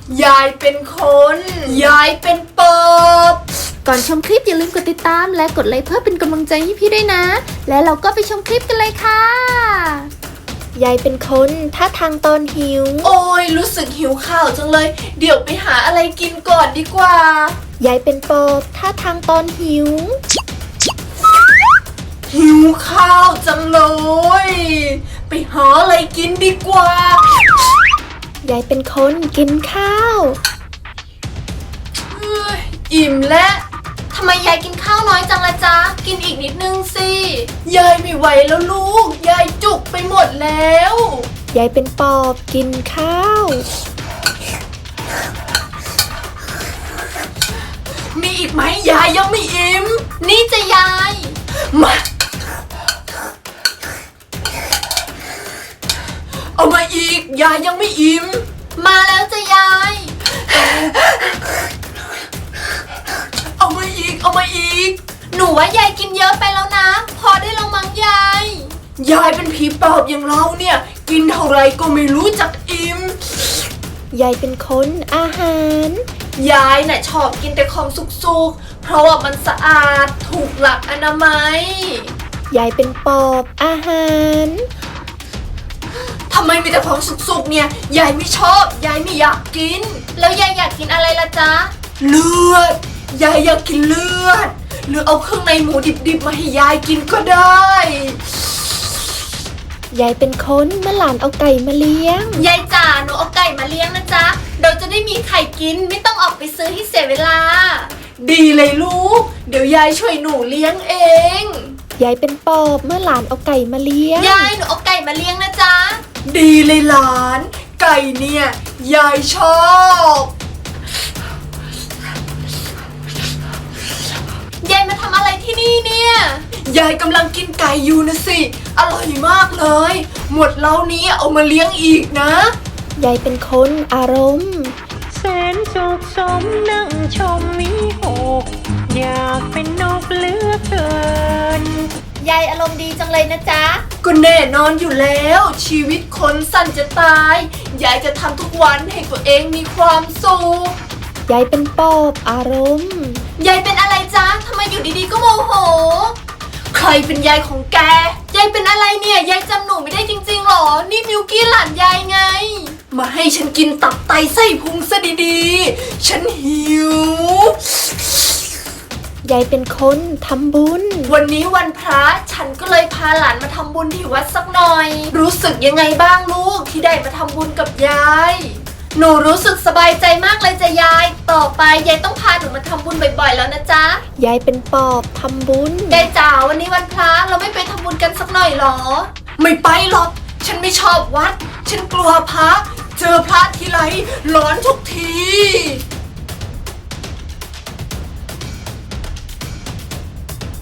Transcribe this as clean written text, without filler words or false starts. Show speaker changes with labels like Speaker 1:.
Speaker 1: ยายเป็นคน ยายเป็นปอบ
Speaker 2: ก่อนชมคลิปอย่าลืมกดติดตามและกดไลค์เพื่อเป็นกำลังใจให้พี่ด้วยนะ และเราก็ไปชมคลิปกันเลยค่ะ ยายเป็นคนท่าทางตอนหิว
Speaker 1: โอ้ยรู้สึกหิวข้าวจังเลย เดี๋ยวไปหาอะไรกินก่อนดีกว่า
Speaker 2: ยายเป็นปอบท่าทางตอนหิว
Speaker 1: หิวข้าวจังเลย ไปหาอะไรกินดีกว่า
Speaker 2: ยายเป็นคนกินข้าว
Speaker 1: เฮ้ยอิ่มแล้วทำไมยายกินข้าวน้อยจังละจ๊ะ กินอีกนิดนึงสิ ยายไม่ไหวแล้วลูก ยายจุกไปหมดแล้ว
Speaker 2: ยายเป็นปอบกินข้าว
Speaker 1: มีอีกไหมยายยังไม่อิ่ม
Speaker 2: นี่จะยาย
Speaker 1: มา เอามาอีก ยายยังไม่อิ่ม
Speaker 2: มาแล้วจะยาย
Speaker 1: เอามาอีก เอามาอีก
Speaker 2: หนูว่ายายกินเยอะไปแล้วนะ พอได้ลงมั้งยาย
Speaker 1: ยายเป็นผีปอบอย่างเราเนี่ย กินเท่าไรก็ไม่รู้จักอิ่ม
Speaker 2: ยายเป็นคนอาหาร
Speaker 1: ยายน่ะชอบกินแต่ของสุกๆ เพราะว่ามันสะอาดถูกหลักอนามัย
Speaker 2: ยายเป็นปอบอาหาร
Speaker 1: ทำไมมีแต่ของสุกๆเนี่ย ยายไม่ชอบ ยายไม่อยากกิน
Speaker 2: แล้วยายอยากกินอะไรล่ะจ๊ะ
Speaker 1: เลือด ยายอยากกินเลือด หรือเอาเครื่องในหมูดิบๆมาให้ยายกินก็ได้
Speaker 2: ยายเป็นคนเมื่อหลานเอาไก่มาเลี้ยง
Speaker 3: ยายจ๋าหนูเอาไก่มาเลี้ยงนะจ๊ะเราจะได้มีไข่กินไม่ต้องออกไปซื้อให้เสียเวลา
Speaker 1: ดีเลยลูก เดี๋ยวยายช่วยหนูเลี้ยงเอง
Speaker 2: ยายเป็นปอบเมื่อหลานเอาไก่มาเลี้ยง
Speaker 3: ยายหนูเอาไก่มาเลี้ยงนะจ๊ะ
Speaker 1: ดีเลยหลาน ไก่เนี่ย ยายชอบ
Speaker 3: ยายมาทำอะไรที่นี่เนี่ย
Speaker 1: ยายกำลังกินไก่อยู่นะสิ อร่อยมากเลย หมดเล้านี้เอามาเลี้ยงอีกนะ
Speaker 2: ยายเป็นคนอารมณ์
Speaker 4: แสนสุขสมนั่งชมวิหกอยากเป็นนกเหลือกเกิน
Speaker 3: ยายอารมณ์ดีจังเลยนะจ๊ะ
Speaker 1: ก็แน่นอนอยู่แล้ว ชีวิตคนสั้นจะตาย ยายจะทำทุกวันให้ตัวเองมีความสุข
Speaker 2: ยายเป็นปอบอารมณ์
Speaker 3: ยายเป็นอะไรจ๊ะทำไมอยู่ดีๆก็โมโห
Speaker 1: ใครเป็นยายของแก
Speaker 3: ยายเป็นอะไรเนี่ย ยายจำหนูไม่ได้จริงๆหรอ นี่มิวกี้หลานยายไง
Speaker 1: มาให้ฉันกินตับไตไส้พุงซะดีๆ ฉันหิว
Speaker 2: ยายเป็นคนทำบุญ
Speaker 1: วันนี้วันพระฉันก็เลยพาหลานมาทำบุญที่วัดสักหน่อย รู้สึกยังไงบ้างลูกที่ได้มาทำบุญกับยาย
Speaker 3: หนูรู้สึกสบายใจมากเลยจ้ะยาย ต่อไปยายต้องพาหนูมาทำบุญบ่อยๆแล้วนะจ๊ะ
Speaker 2: ยายเป็นปอบทำบุญ
Speaker 3: ยายจ๋าวันนี้วันพระเราไม่ไปทำบุญกันสักหน่อยหรอ
Speaker 1: ไม่ไปหรอก ฉันไม่ชอบวัด ฉันกลัวพระ เจอพระทีไรร้อนทุกที